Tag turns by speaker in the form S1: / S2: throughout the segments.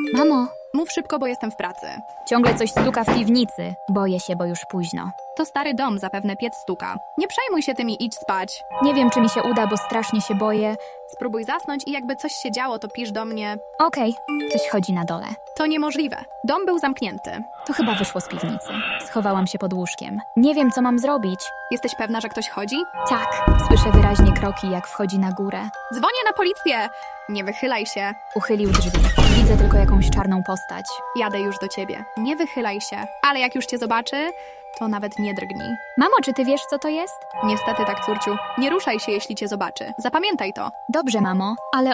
S1: Mamo,
S2: Mów szybko, bo jestem w pracy.
S1: ciągle coś stuka w piwnicy. Boję się, bo już późno.
S2: To stary dom, zapewne piec stuka. Nie przejmuj się tym i idź spać.
S1: Nie wiem, czy mi się uda, bo strasznie się boję.
S2: Spróbuj zasnąć i jakby coś się działo, to pisz do mnie.
S1: Okej, ktoś chodzi na dole.
S2: To niemożliwe. Dom był zamknięty.
S1: To chyba wyszło z piwnicy. Schowałam się pod łóżkiem. Nie wiem, co mam zrobić.
S2: Jesteś pewna, że ktoś chodzi?
S1: Tak, słyszę wyraźnie kroki, jak wchodzi na górę.
S2: Dzwonię na policję! Nie wychylaj się.
S1: Uchylił drzwi. Widzę tylko jakąś czarną postać.
S2: Jadę już do ciebie. Nie wychylaj się. Ale jak już cię zobaczy, to nawet nie drgnij.
S1: Mamo, czy ty wiesz, co to jest?
S2: Niestety tak, córciu. Nie ruszaj się, jeśli cię zobaczy. Zapamiętaj to.
S1: Dobrze, mamo, ale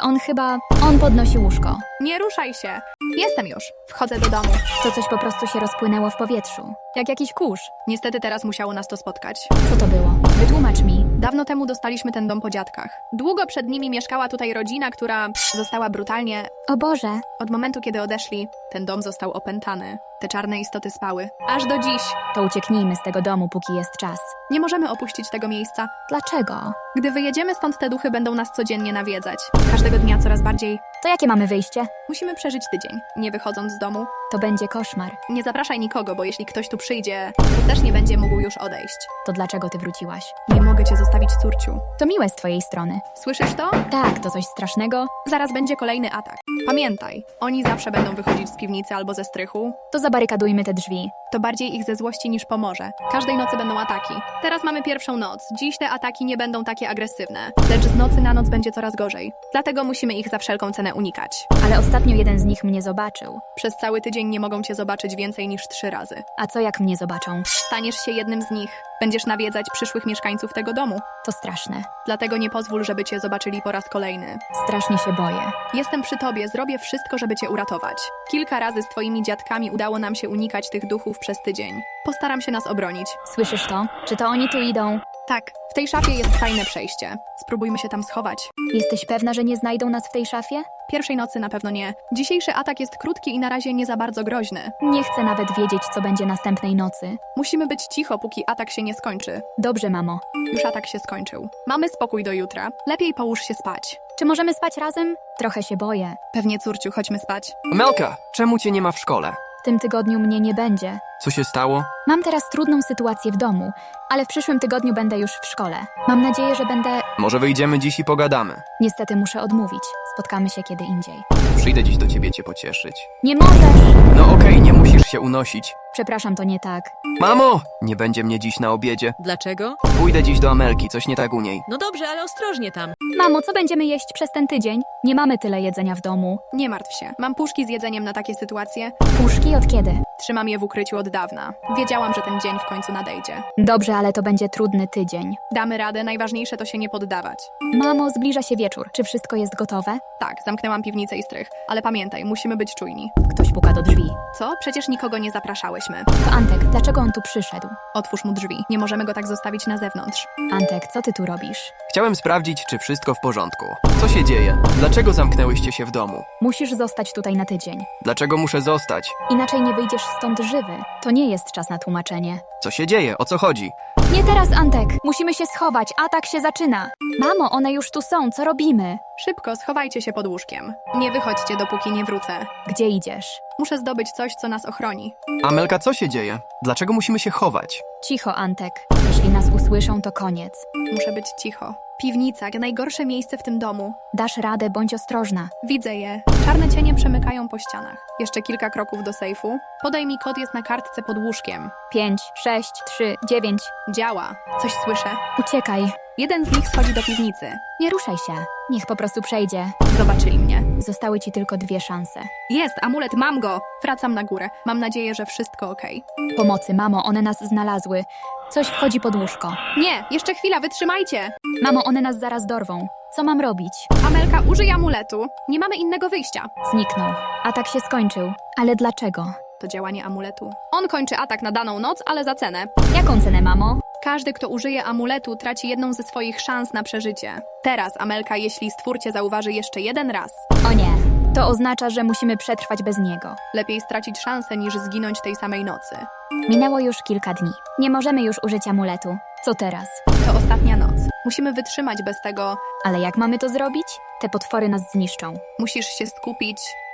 S1: on podnosi łóżko.
S2: Nie ruszaj się. Jestem już. Wchodzę do domu.
S1: To coś po prostu się rozpłynęło w powietrzu. Jak jakiś kurz.
S2: Niestety teraz musiało nas to spotkać.
S1: Co to było? Wytłumacz mi.
S2: Dawno temu dostaliśmy ten dom po dziadkach. Długo przed nimi mieszkała tutaj rodzina, która została brutalnie...
S1: O Boże,
S2: Od momentu, kiedy odeszli, ten dom został opętany. Te czarne istoty spały. Aż do dziś.
S1: to ucieknijmy z tego domu, póki jest czas.
S2: Nie możemy opuścić tego miejsca.
S1: Dlaczego?
S2: Gdy wyjedziemy stąd, te duchy będą nas codziennie nawiedzać. Każdego dnia coraz bardziej.
S1: To jakie mamy wyjście?
S2: Musimy przeżyć tydzień, nie wychodząc z domu.
S1: To będzie koszmar.
S2: Nie zapraszaj nikogo, bo jeśli ktoś tu przyjdzie, to też nie będzie mógł już odejść.
S1: To dlaczego ty wróciłaś?
S2: Nie mogę cię zostawić, córciu.
S1: To miłe z twojej strony.
S2: Słyszysz to?
S1: Tak, to coś strasznego.
S2: Zaraz będzie kolejny atak. Pamiętaj, oni zawsze będą wychodzić z piwnicy albo ze strychu.
S1: To zabarykadujmy te drzwi.
S2: To bardziej ich ze złości niż pomoże. Każdej nocy będą ataki. Teraz mamy pierwszą noc. Dziś te ataki nie będą takie agresywne. Lecz z nocy na noc będzie coraz gorzej. Dlatego musimy ich za wszelką cenę unikać.
S1: Ale ostatnio jeden z nich mnie zobaczył.
S2: Przez cały tydzień nie mogą cię zobaczyć więcej niż 3 razy.
S1: A co jak mnie zobaczą?
S2: Staniesz się jednym z nich. Będziesz nawiedzać przyszłych mieszkańców tego domu.
S1: To straszne.
S2: Dlatego nie pozwól, żeby cię zobaczyli po raz kolejny.
S1: Strasznie się boję.
S2: Jestem przy tobie, zrobię wszystko, żeby cię uratować. Kilka razy z twoimi dziadkami udało nam się unikać tych duchów przez tydzień. Postaram się nas obronić.
S1: Słyszysz to? Czy to oni tu idą?
S2: Tak, w tej szafie jest tajne przejście. Spróbujmy się tam schować.
S1: Jesteś pewna, że nie znajdą nas w tej szafie?
S2: Pierwszej nocy na pewno nie. Dzisiejszy atak jest krótki i na razie nie za bardzo groźny.
S1: Nie chcę nawet wiedzieć, co będzie następnej nocy.
S2: Musimy być cicho, póki atak się nie skończy.
S1: Dobrze, mamo.
S2: Już atak się skończył. Mamy spokój do jutra. Lepiej połóż się spać.
S1: Czy możemy spać razem? Trochę się boję.
S2: Pewnie, córciu, chodźmy spać.
S3: Amelka, czemu cię nie ma w szkole?
S1: W tym tygodniu mnie nie będzie.
S3: Co się stało?
S1: Mam teraz trudną sytuację w domu, ale w przyszłym tygodniu będę już w szkole. Mam nadzieję, że będę...
S3: Może wyjdziemy dziś i pogadamy.
S1: Niestety muszę odmówić. Spotkamy się kiedy indziej.
S3: Przyjdę dziś do ciebie cię pocieszyć.
S1: Nie możesz!
S3: No okej, nie musisz się unosić.
S1: Przepraszam, to nie tak.
S3: Mamo! Nie będzie mnie dziś na obiedzie.
S4: Dlaczego?
S3: Pójdę dziś do Amelki, coś nie tak u niej.
S4: No dobrze, ale ostrożnie tam.
S1: Mamo, co będziemy jeść przez ten tydzień? Nie mamy tyle jedzenia w domu.
S2: Nie martw się. Mam puszki z jedzeniem na takie sytuacje.
S1: Puszki od kiedy?
S2: Trzymam je w ukryciu od dawna. Wiedziałam, że ten dzień w końcu nadejdzie.
S1: Dobrze, ale to będzie trudny tydzień.
S2: Damy radę, najważniejsze to się nie poddawać.
S1: Mamo, zbliża się wieczór. Czy wszystko jest gotowe?
S2: Tak, zamknęłam piwnicę i strych. Ale pamiętaj, musimy być czujni.
S1: Ktoś puka do drzwi.
S2: Co? Przecież nikogo nie zapraszałyśmy.
S1: To Antek, dlaczego on tu przyszedł?
S2: Otwórz mu drzwi. Nie możemy go tak zostawić na zewnątrz.
S1: Antek, co ty tu robisz?
S3: Chciałem sprawdzić, czy wszystko w porządku. Co się dzieje? Dlaczego zamknęłyście się w domu?
S1: Musisz zostać tutaj na tydzień.
S3: Dlaczego muszę zostać?
S1: Inaczej nie wyjdziesz stąd żywy. To nie jest czas na tłumaczenie.
S3: Co się dzieje? O co chodzi?
S1: Nie teraz, Antek! Musimy się schować, atak się zaczyna! Mamo, one już tu są, co robimy?
S2: Szybko, schowajcie się pod łóżkiem. Nie wychodźcie, dopóki nie wrócę.
S1: Gdzie idziesz?
S2: Muszę zdobyć coś, co nas ochroni.
S3: Amelka, co się dzieje? Dlaczego musimy się chować?
S1: Cicho, Antek. Jeśli nas usłyszą, to koniec.
S2: Muszę być cicho. Piwnica, najgorsze miejsce w tym domu.
S1: Dasz radę, bądź ostrożna.
S2: Widzę je. Czarne cienie przemykają po ścianach. Jeszcze kilka kroków do sejfu. Podaj mi kod, jest na kartce pod łóżkiem.
S1: 5, 6, 3, 9.
S2: Działa. Coś słyszę.
S1: Uciekaj.
S2: Jeden z nich schodzi do piwnicy.
S1: Nie ruszaj się. Niech po prostu przejdzie.
S2: Zobaczyli mnie.
S1: Zostały ci tylko 2 szanse.
S2: Jest, amulet, mam go! Wracam na górę. Mam nadzieję, że wszystko okej.
S1: Pomocy, mamo, one nas znalazły. Coś wchodzi pod łóżko.
S2: Nie, jeszcze chwila, wytrzymajcie!
S1: Mamo, one nas zaraz dorwą. Co mam robić?
S2: Amelka, użyj amuletu. Nie mamy innego wyjścia.
S1: Zniknął. Atak się skończył. Ale dlaczego?
S2: To działanie amuletu. On kończy atak na daną noc, ale za cenę.
S1: Jaką cenę, mamo?
S2: Każdy, kto użyje amuletu, traci jedną ze swoich szans na przeżycie. Teraz, Amelka, jeśli stwór cię zauważy jeszcze jeden raz,
S1: O nie. To oznacza, że musimy przetrwać bez niego.
S2: lepiej stracić szansę niż zginąć tej samej nocy.
S1: Minęło już kilka dni. Nie możemy już użyć amuletu. Co teraz?
S2: To ostatnia noc. Musimy wytrzymać bez tego.
S1: Ale jak mamy to zrobić? Te potwory nas zniszczą.
S2: Musisz się skupić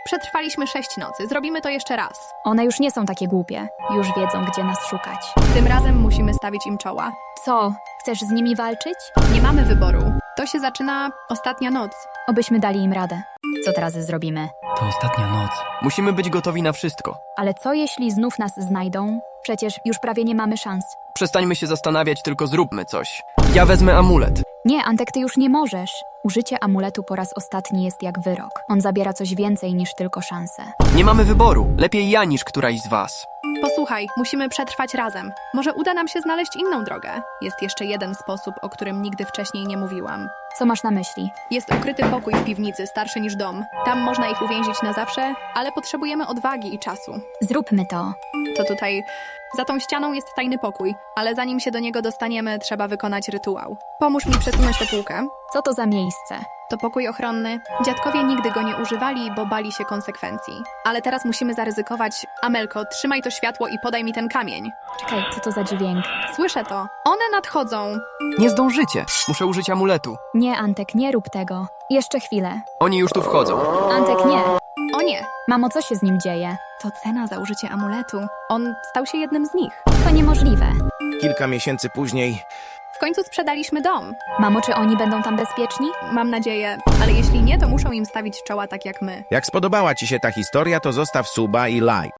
S2: Przetrwaliśmy 6 nocy, zrobimy to jeszcze raz.
S1: One już nie są takie głupie. Już wiedzą, gdzie nas szukać.
S2: Tym razem musimy stawić im czoła.
S1: Co? Chcesz z nimi walczyć?
S2: Nie mamy wyboru. To się zaczyna ostatnia noc.
S1: Obyśmy dali im radę. Co teraz zrobimy?
S3: To ostatnia noc. Musimy być gotowi na wszystko.
S1: Ale co jeśli znów nas znajdą? Przecież już prawie nie mamy szans.
S3: Przestańmy się zastanawiać, tylko zróbmy coś. Ja wezmę amulet.
S1: Nie, Antek, ty już nie możesz. Użycie amuletu po raz ostatni jest jak wyrok. On zabiera coś więcej niż tylko szanse.
S3: Nie mamy wyboru. Lepiej ja niż któraś z was.
S2: Posłuchaj, musimy przetrwać razem. Może uda nam się znaleźć inną drogę. Jest jeszcze jeden sposób, o którym nigdy wcześniej nie mówiłam.
S1: Co masz na myśli?
S2: Jest ukryty pokój w piwnicy, starszy niż dom. Tam można ich uwięzić na zawsze, ale potrzebujemy odwagi i czasu.
S1: Zróbmy to.
S2: To tutaj, za tą ścianą jest tajny pokój, ale zanim się do niego dostaniemy, trzeba wykonać rytuał. Pomóż mi przesunąć tę półkę.
S1: Co to za miejsce?
S2: To pokój ochronny. Dziadkowie nigdy go nie używali, bo bali się konsekwencji. Ale teraz musimy zaryzykować. Amelko, trzymaj to światło i podaj mi ten kamień.
S1: Czekaj, co to za dźwięk?
S2: Słyszę to. One nadchodzą.
S3: Nie zdążycie. Muszę użyć amuletu.
S1: Nie, Antek, nie rób tego. Jeszcze chwilę.
S3: Oni już tu wchodzą.
S1: Antek, nie.
S2: O nie,
S1: Mamo, co się z nim dzieje?
S2: to cena za użycie amuletu. On stał się jednym z nich.
S1: To niemożliwe.
S4: Kilka miesięcy później
S2: W końcu sprzedaliśmy dom.
S1: Mamo, czy oni będą tam bezpieczni?
S2: Mam nadzieję, ale jeśli nie, to muszą im stawić czoła tak jak my.
S4: Jak spodobała Ci się ta historia, to zostaw suba i like.